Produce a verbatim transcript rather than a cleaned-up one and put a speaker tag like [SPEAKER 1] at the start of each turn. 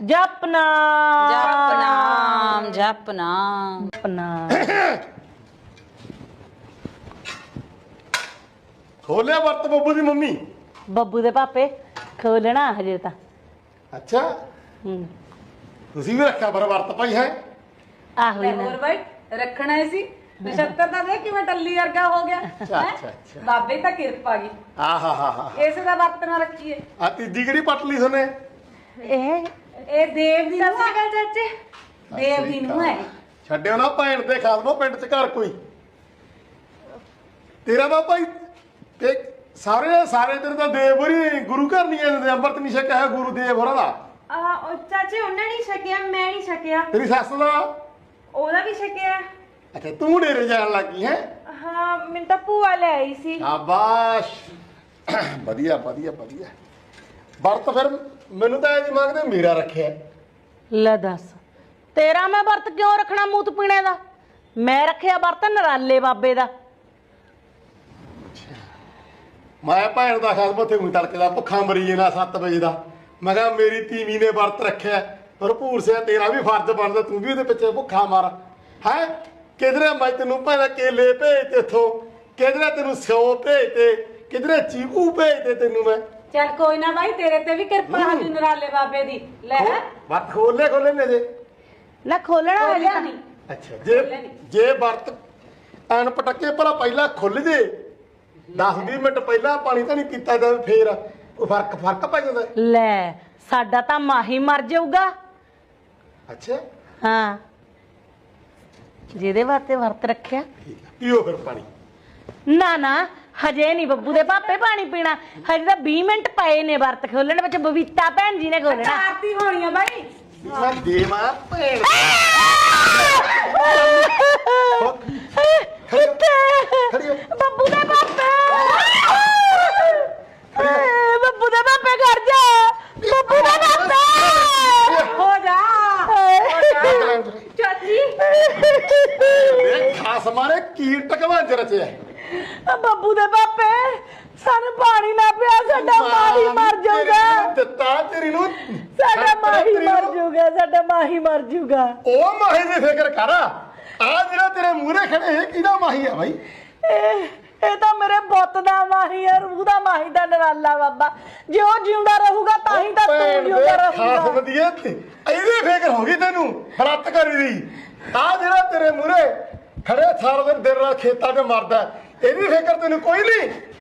[SPEAKER 1] ਜਪਨਾ
[SPEAKER 2] ਜਪਨਾਮ ਜਪਨਾਮ
[SPEAKER 1] ਜਪਨਾ
[SPEAKER 3] ਖੋਲਿਆ ਵਰਤ ਬੱਬੂ ਦੀ ਮੰਮੀ।
[SPEAKER 1] ਬੱਬੂ ਦੇ ਪਾਪੇ ਖੋਲਣਾ ਹਜੇ ਤਾਂ।
[SPEAKER 3] ਅੱਛਾ
[SPEAKER 1] ਹੂੰ
[SPEAKER 3] ਤੁਸੀਂ ਵੀ ਰੱਖਿਆ ਪਰ ਵਰਤ ਭਾਈ ਹੈ।
[SPEAKER 1] ਆਹੋ ਹੀ ਨਾ
[SPEAKER 2] ਹੋਰ ਬਾਈ ਰੱਖਣਾ ਹੀ ਸੀ। ਨਛੱਤਰ ਦਾ ਦੇਖ ਕਿਵੇਂ ਟੱਲੀ ਵਰਗਾ ਹੋ ਗਿਆ।
[SPEAKER 3] ਅੱਛਾ ਅੱਛਾ ਅੱਛਾ
[SPEAKER 2] ਬਾਬੇ ਤਾਂ ਕਿਰਪਾ ਗਈ
[SPEAKER 3] ਆਹਾ ਹਾ ਹਾ
[SPEAKER 2] ਇਸੇ ਦਾ ਵਰਤ ਨਾ ਰੱਖੀਏ।
[SPEAKER 3] ਆ ਤੀਜੀ ਕਿਹੜੀ ਪੱਟ ਲਈ ਸੋਨੇ?
[SPEAKER 1] ਇਹ
[SPEAKER 2] ਇਹ ਦੇਵ ਦੀ ਨੂੰ ਹੈ ਚਾਚੇ, ਦੇਵ ਦੀ ਨੂੰ ਹੈ।
[SPEAKER 3] ਛੱਡਿਓ ਨਾ ਭੈਣ ਤੇ ਖਾਦਮੋ ਪਿੰਡ ਚ ਘਰ ਕੋਈ ਤੇਰਾ ਤਾਂ ਭਾਈ ਤੇ ਸਾਰੇ ਸਾਰੇ ਤੇਰੇ ਤਾਂ ਦੇਵ ਹੋਰੀ ਗੁਰੂ ਘਰ ਨਹੀਂ ਜਾਂਦੇ ਅੰਮ੍ਰਿਤ ਨਹੀਂ ਛਕਿਆ ਹੈ ਗੁਰੂ ਦੇਵ ਹੋਰਾਂ ਦਾ।
[SPEAKER 4] ਆ ਉਹ ਚਾਚੇ ਉਹਨੇ ਨਹੀਂ ਛਕਿਆ, ਮੈਂ ਨਹੀਂ ਛਕਿਆ,
[SPEAKER 3] ਤੇਰੀ ਸੱਸ ਦਾ
[SPEAKER 4] ਉਹਦਾ ਵੀ ਛਕਿਆ।
[SPEAKER 3] ਅੱਛਾ ਤੂੰ ਡੇਰੇ ਜਾਣ ਲੱਗੀ ਹੈ।
[SPEAKER 4] ਹਾਂ ਮੈਨੂੰ ਤਾਂ ਭੂਆ ਲੈ ਆਈ ਸੀ।
[SPEAKER 3] ਸ਼ਾਬਾਸ਼ ਵਧੀਆ ਵਧੀਆ ਵਧੀਆ ਵਰਤ ਫਿਰ ਮੈਨੂੰ ਤਾਂ ਇਹ ਨਹੀਂ ਮੰਗਦੇ ਮੇਰਾ ਰੱਖਿਆ।
[SPEAKER 1] ਲੈ ਦੱਸ ਤੇਰਾ ਮੈਂ ਵਰਤ ਕਿਉਂ ਰੱਖਣਾ ਮੂਤ ਪੀਣੇ ਦਾ? ਮੈਂ ਰੱਖਿਆ ਵਰਤ ਨਰਾਲੇ ਬਾਬੇ ਦਾ।
[SPEAKER 3] ਮੈਂ ਭੈਣ ਦਾ ਖਾਸ ਬਥੇ ਨੂੰ ਤੜਕੇ ਦਾ ਭੁੱਖਾ ਮਰੀ ਜੇ ਨਾ ਸੱਤ ਵਜੇ ਦਾ। ਮੈਂ ਕਿਹਾ ਮੇਰੀ ਤੀਵੀਂ ਨੇ ਵਰਤ ਰੱਖਿਆ ਭਰਪੂਰ ਸਿਆ ਤੇਰਾ ਵੀ ਫਰਜ਼ ਬਣਦਾ ਤੂੰ ਵੀ ਉਹਦੇ ਪਿੱਛੇ ਭੁੱਖਾ ਮਾਰ ਹੈ। ਕਿਧਰੇ ਮੈਂ ਤੈਨੂੰ ਭੈਣਾ ਕੇਲੇ ਭੇਜ ਤੇ ਇੱਥੋਂ, ਕਿਧਰੇ ਤੈਨੂੰ ਸਿਓ ਭੇਜ ਤੇ, ਕਿਧਰੇ ਚੀਕੂ ਭੇਜ ਤੇ ਤੈਨੂੰ ਮੈਂ।
[SPEAKER 2] ਚੱਲ ਕੋਈ ਨਾ ਬਾਈ ਤੇਰੇ ਤੇ ਵੀ ਕਿਰਪਾ ਹਾਜੀ ਨਰਾਲੇ ਬਾਬੇ ਦੀ। ਲੈ
[SPEAKER 3] ਵਰਤ ਖੋਲੇ ਖੋਲੇ ਨੇ ਜੇ
[SPEAKER 1] ਲੈ ਖੋਲਣਾ ਹਜੇ ਤਾਂ
[SPEAKER 2] ਨਹੀਂ
[SPEAKER 3] ਅੱਛਾ ਜੇ ਜੇ ਵਰਤ ਐਨ ਪਟਕੇ ਭਲਾ ਪਹਿਲਾਂ ਖੁੱਲ ਜੇ ਦਸ ਵੀਹ ਮਿੰਟ ਪਹਿਲਾਂ ਪਾਣੀ ਤਾਂ ਨਹੀਂ ਪੀਤਾ ਜਾਂ ਫੇਰ ਉਹ ਫਰਕ ਫਰਕ ਪੈ ਜਾਂਦਾ।
[SPEAKER 1] ਲੈ ਸਾਡਾ ਤਾਂ ਮਾਹੀ ਮਰ ਜਾਊਗਾ।
[SPEAKER 3] ਅੱਛਾ
[SPEAKER 1] ਹਾਂ ਜਿਹਦੇ ਵਾਸਤੇ ਵਰਤ ਰੱਖਿਆ।
[SPEAKER 3] ਠੀਕ ਆ ਪੀਓ ਫਿਰ ਪਾਣੀ।
[SPEAKER 1] ਨਾ ਨਾ ਹਜੇ ਨਹੀਂ ਬੱਬੂ ਦੇ ਪਾਪੇ ਪਾਣੀ ਪੀਣਾ, ਹਜੇ ਤਾਂ ਵੀਹ ਮਿੰਟ ਪਏ ਨੇ ਵਰਤ ਖੋਲਣ ਵਿੱਚ। ਬਬੀਤਾ ਭੈਣ ਜੀ ਨੇ ਖੋਲਣਾ।
[SPEAKER 2] ਆਰਤੀ ਹੋਣੀ ਆ ਬਾਈ।
[SPEAKER 3] ਮੈਂ ਦੇਵਾਂ ਭੈਣ ਖੜੀ ਹੋ।
[SPEAKER 1] ਬੱਬੂ ਦੇ ਪਾਪੇ ਏ, ਬੱਬੂ ਦੇ ਪਾਪੇ ਘਰ ਜਾ। ਬੱਬੂ ਦੇ ਪਾਪੇ
[SPEAKER 2] ਹੋ ਜਾ
[SPEAKER 4] ਚਾਚੀ
[SPEAKER 3] ਇਹ ਖਾਸ ਮਾਰੇ ਕੀ ਟਕਵਾਂ ਚ ਰਚਿਆ।
[SPEAKER 1] ਆ ਬੱਬੂ ਦੇ ਪਾਪੇ ਸਾਨੂੰ ਪਾਣੀ ਨਾ ਪਿਆ, ਸਾਡਾ ਮਾਹੀ ਮਰ ਜਾਊਗਾ।
[SPEAKER 3] ਦਿੱਤਾ ਤੇਰੀ ਨੂੰ
[SPEAKER 1] ਸਾਡਾ ਮਾਹੀ ਮਰ ਜਾਊਗਾ, ਸਾਡਾ ਮਾਹੀ ਮਰ ਜਾਊਗਾ।
[SPEAKER 3] ਉਹ ਮਾਹੀ ਦੀ ਫਿਕਰ ਕਰ। ਆ ਜਿਹੜਾ ਤੇਰੇ ਮੂਹਰੇ ਖੜੇ ਇਹ ਕਿਹਦਾ ਮਾਹੀ ਆ ਬਾਈ?
[SPEAKER 1] ਇਹ ਇਹ ਤਾਂ ਮੇਰੇ ਪੁੱਤ ਦਾ ਮਾਹੀ ਹੈ, ਰੂਹ ਦਾ ਮਾਹੀ ਦਾ ਨਰਾਲਾ ਬਾਬਾ। ਜੇ ਉਹ ਜਿਉਂਦਾ ਰਹੂਗਾ ਤਾਂ ਹੀ ਤਾਂ ਤੂੰ ਜਿਉਂਦਾ
[SPEAKER 3] ਖਾਸ
[SPEAKER 1] ਰਹੂਗਾ।
[SPEAKER 3] ਵਧੀਆ ਇਹਦੀ ਫਿਕਰ ਹੋ ਗਈ ਤੈਨੂੰ ਫਰਤ ਕਰੀ ਦੀ। ਆ ਜਿਹੜਾ ਤੇਰੇ ਮੂਹਰੇ ਖੜੇ ਸਾਰਾ ਦਿਨ ਦਿਨ ਰਾਤ ਖੇਤਾਂ 'ਚ ਮਰਦਾ ਇਹਦੀ ਫਿਕਰ ਤੈਨੂੰ ਕੋਈ ਨਹੀਂ।